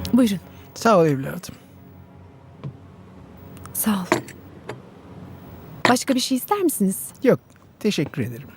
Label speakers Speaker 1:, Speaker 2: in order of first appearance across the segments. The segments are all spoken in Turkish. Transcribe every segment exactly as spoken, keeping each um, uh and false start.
Speaker 1: Buyurun.
Speaker 2: Sağ ol evladım.
Speaker 1: Sağ ol. Başka bir şey ister misiniz?
Speaker 2: Yok, teşekkür ederim.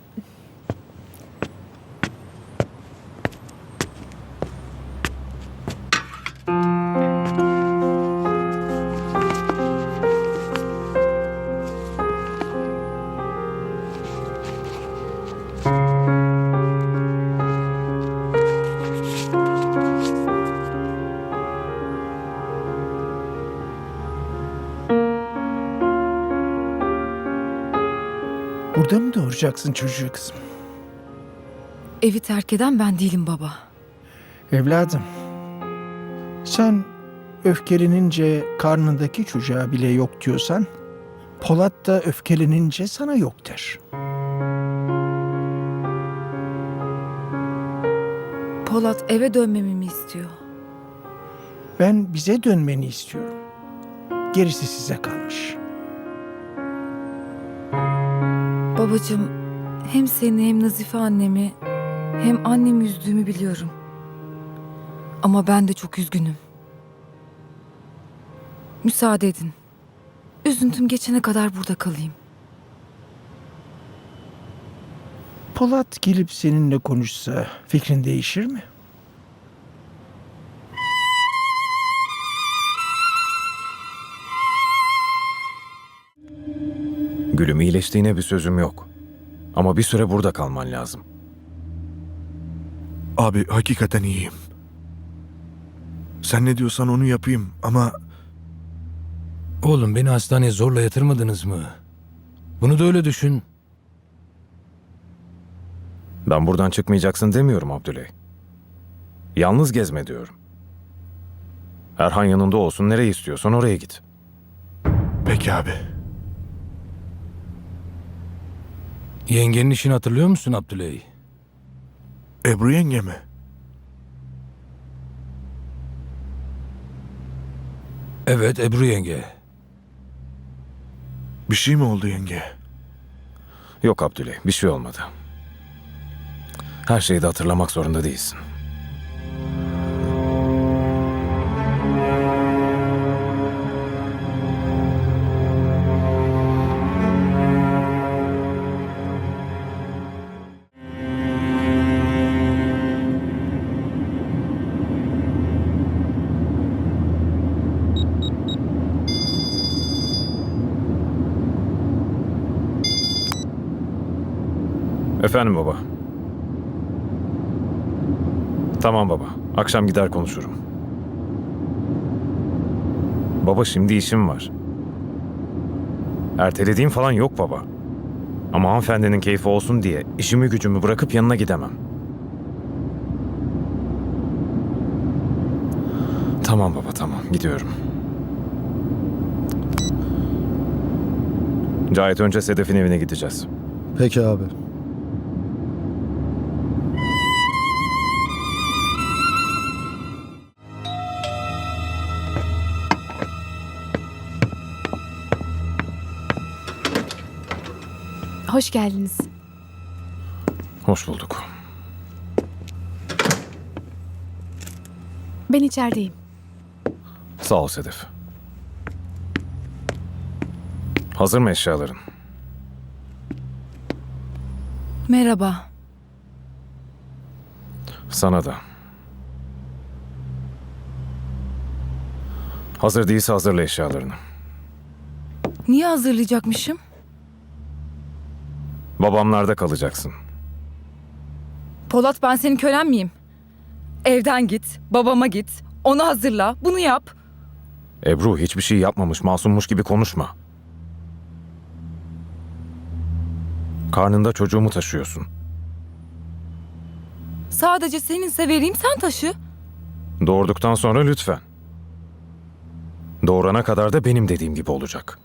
Speaker 2: Burada mı doğuracaksın çocuğu kızım?
Speaker 1: Evi terk eden ben değilim baba.
Speaker 2: Evladım, sen öfkelenince karnındaki çocuğa bile yok diyorsan, Polat da öfkelenince sana yok der.
Speaker 1: Polat eve dönmemi mi istiyor?
Speaker 2: Ben bize dönmeni istiyorum. Gerisi size kalmış.
Speaker 1: Babacığım, hem seni hem Nazife annemi hem annemi üzdüğümü biliyorum. Ama ben de çok üzgünüm. Müsaade edin. Üzüntüm geçene kadar burada kalayım.
Speaker 2: Polat gelip seninle konuşsa fikrin değişir mi?
Speaker 3: Gülüm, iyileştiğine bir sözüm yok. Ama bir süre burada kalman lazım.
Speaker 4: Abi hakikaten iyiyim. Sen ne diyorsan onu yapayım ama
Speaker 5: Oğlum beni hastaneye zorla yatırmadınız mı? Bunu da öyle düşün.
Speaker 3: Ben buradan çıkmayacaksın demiyorum Abdüley. Yalnız gezme diyorum. Erhan yanında olsun, nereye istiyorsan oraya git.
Speaker 4: peki abi.
Speaker 5: Yengenin işini hatırlıyor musun Abdüley?
Speaker 4: Ebru yenge mi?
Speaker 5: Evet, Ebru yenge.
Speaker 4: Bir şey mi oldu yenge?
Speaker 3: Yok Abdüley, bir şey olmadı. Her şeyi de hatırlamak zorunda değilsin. Efendim baba. Tamam baba. Akşam gider konuşurum. Baba şimdi işim var. Ertelediğim falan yok baba. Ama hanımefendinin keyfi olsun diye işimi gücümü bırakıp yanına gidemem. Tamam baba, tamam, gidiyorum. Cahit, önce Sedef'in evine gideceğiz.
Speaker 6: Peki abi.
Speaker 1: Hoş geldiniz.
Speaker 3: Hoş bulduk.
Speaker 1: Ben içerideyim.
Speaker 3: Sağ ol Sedef. Hazır mı eşyaların?
Speaker 1: Merhaba.
Speaker 3: Sana da. Hazır değilse hazırla eşyalarını.
Speaker 1: Niye hazırlayacakmışım?
Speaker 3: Babamlarda kalacaksın.
Speaker 1: Polat, ben senin kölen miyim? Evden git, babama git, onu hazırla, bunu yap.
Speaker 3: Ebru, hiçbir şey yapmamış, masummuş gibi konuşma. Karnında çocuğumu taşıyorsun.
Speaker 1: Sadece seninse vereyim, sen taşı.
Speaker 3: Doğurduktan sonra lütfen. Doğurana kadar da benim dediğim gibi olacak.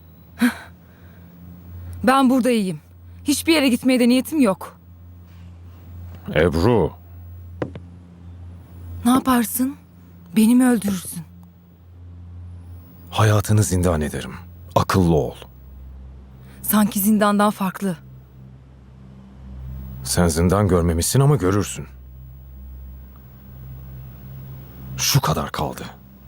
Speaker 1: Ben burada iyiyim. Hiçbir yere gitmeye de niyetim yok.
Speaker 3: Ebru,
Speaker 1: Ne yaparsın? Beni mi öldürürsün?
Speaker 3: hayatını zindan ederim. Akıllı ol.
Speaker 1: Sanki zindandan farklı.
Speaker 3: Sen zindan görmemişsin ama görürsün. Şu kadar kaldı.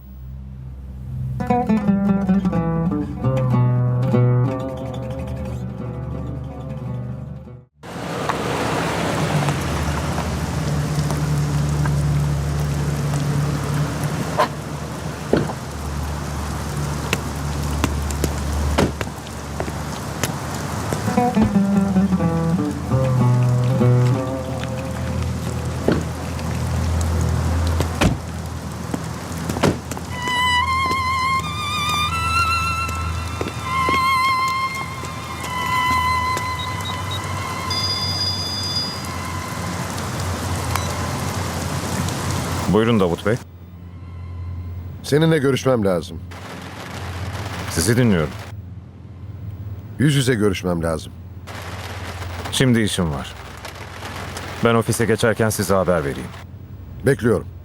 Speaker 3: Buyurun Davut Bey.
Speaker 6: Seninle görüşmem lazım.
Speaker 3: Sizi dinliyorum.
Speaker 6: Yüz yüze görüşmem lazım.
Speaker 3: Şimdi işim var. Ben ofise geçerken size haber vereyim.
Speaker 6: Bekliyorum.